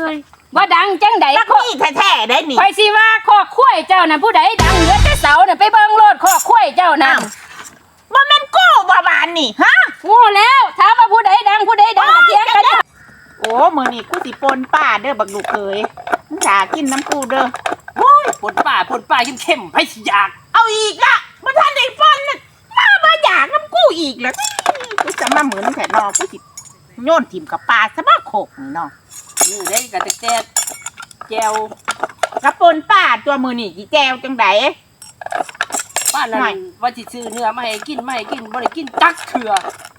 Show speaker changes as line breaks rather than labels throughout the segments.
ยว่าดังจังใด
รักนี่แท้ๆได้นี่
คอยสิว่าคอกข้วยเจ้าน่ะผู้ใดดังเหลือแต่เสาน่ะไปเบิ่งโลดคอกข้วยเจ้าน่ะ
ว่าแม่นกู้บ่บานนี่ฮะ
โง่แล้วถามว่าผู้ใดดังก็เถียงกัน
โอ้มื้อนี้กูสิปนป้าเด้อบักลูกเคยมึงด่ากินน้ำกูเด้อโอ้ย
ปนป่าเข้มๆให้สิอยาก
เอาอีกละบ่ทันได้ปนน่ะมาบ่อยากน้ำกูอีกแล้วกูจะมาเหมือนแท้นอกูสิโยนถิ่มกับปลาซะบ่โขกนี่เนาะ
นี่ได้กะแต่แจว
กระปนป้าตัวมื้อนี้สิแจวจังได๋
ป้านั่นว่าสิซื้อเนื้อมาให้กินบ่ได้กินจักเถื่อ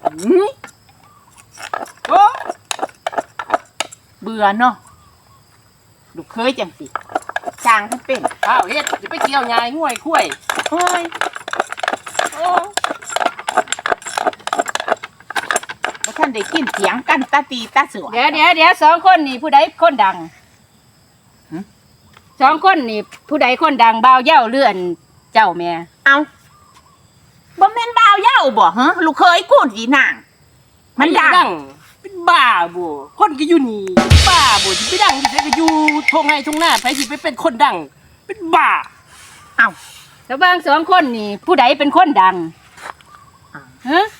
โอ้
เบื่อเนาะลูกเคยจังสิจ้างทั้งเป็น
ข้าวเฮ็ดสิไปเกี่ยวยายง่วยคุ้ย
โอ้ย
โอ้
บ่ทันได้กินเสียงกันตาตีตาเสือ
เดี๋ยวสองคนนี่ผู้ใดคนดังสองคนนี่ผู้ใดคนดังบ่าวเหย้าเลื่อนเจ้าแม่
เอาบ่แม่นบ่าวเหย้าบ่ฮะลูกเคยกูสินางมันดัง
เป็นบ้าบ่คนก็อยู่นี่บ้าบ่สิไปดังสิก็อยู่ทงไห้ทงหน้าไผสิไปเป็นคนดัง เป็นบ้า
เอา
แล้วบางสองคนนี่ผู้ใดเป็นคนดังฮะ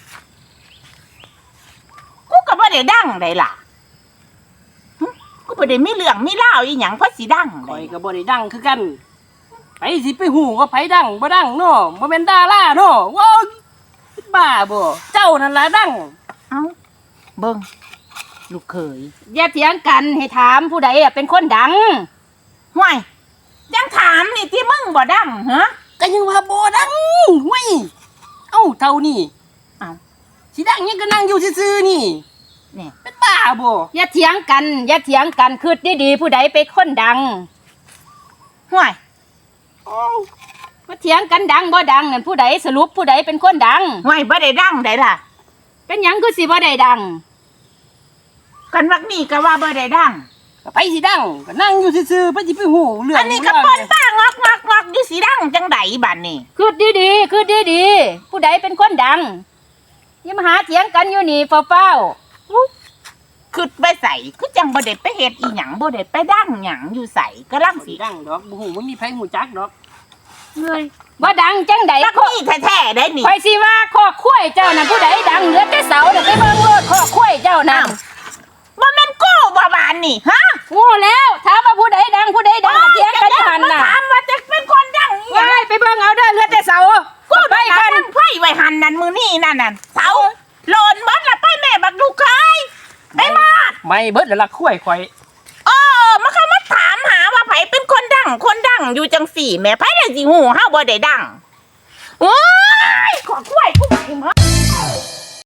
กูก็บ่ได้ดังได้ล่ะหึกูบ่ได้มีเรื่องมีราวอีหยังเพราะสิดัง
ข่
ได้
อยก็บ่ได้ดังคือกันไผสิไปฮู้ว่าไผดังบ่ดังเนาะบ่แม่นดาราเนาะว้าวเป็นบ้าบ่เจ้านั่นล่ะดัง
เอาเบิ่งลูกเคย
อย่าเถียงกันให้ถามผู้ใดเป็นคนดัง
ห่วยยังถามนี่ที่มึงบ่ดังฮะ
ก็ยังว่าบ่ดังเว้ยเอ้าเท่านี้
เอา
สิดังยังก็นั่งอยู่ซื่อๆนี่
นี่
เป็นบ้าบ่
อย่าเถียงกันคือดีๆผู้ใดเป็นคนดัง
ห่วย
ว่าเถียงกันดังบ่ดังนั่นผู้ใดสรุปผู้ใดเป็นคนดัง
ห่วยบ่ได้ดังได้ล่ะ
เป็นหยังคือสิบ่ได้ดัง
กันวักนี่ก็ว่าบ่ได้ดัง
ก็ไปสิดังก็นั่งอยู่ซื่อๆไปสิไปฮู้เรื่อง
อันนี้ก็ปนป้างอกอยู่สิดังจังไดบัดนี้
คือดีๆผู้ใดเป็นคนดังอย่ามาหาเถียงกันอยู่นี่เฝ้า
คือไปใส่คือจังบ่ได้ไปเฮ็ดอีหยังบ่ได้ไปดังหยังอยู่ใส่กำลัง
สิ
สิ
ดังดอกบ่ฮู้บ่มีไผฮู้จักดอก
ๆเลยว่าดังจังใด
รักนี่แท้ๆได้นี่
คอยสิว่าคอกข้วยเจ้านั่นผู้ใดดังเหลือแต่เสาน่ะไปเบิ่งโลดคอกข้วยเจ้านั่น
บ่แม่นกู้บ่บานนี่ฮะ
โง่แล้วถามว่าผู้ใดดังก็เถียงกันอยู่หั่นน่ะ
ถามว่าจะเป็นคนดังอีหยัง
ว้ายไปเบิ่งเอาเด้อเหลือแต่เสา
กู
ไป
ไป
กั
กัน นไฟไว้หันนั่นมือนี่นั่นเสาโลนหมดละไปแม่บักลูกเคยไปมา
ไม่เบิดแล้วล่ะคุ้ยข่อย
มาเข้ามาถามหาว่าไผเป็นคนดังอยู่จังสี่แม่ไผเลยสิหูเฮาบ่ได้ดังโอ้ย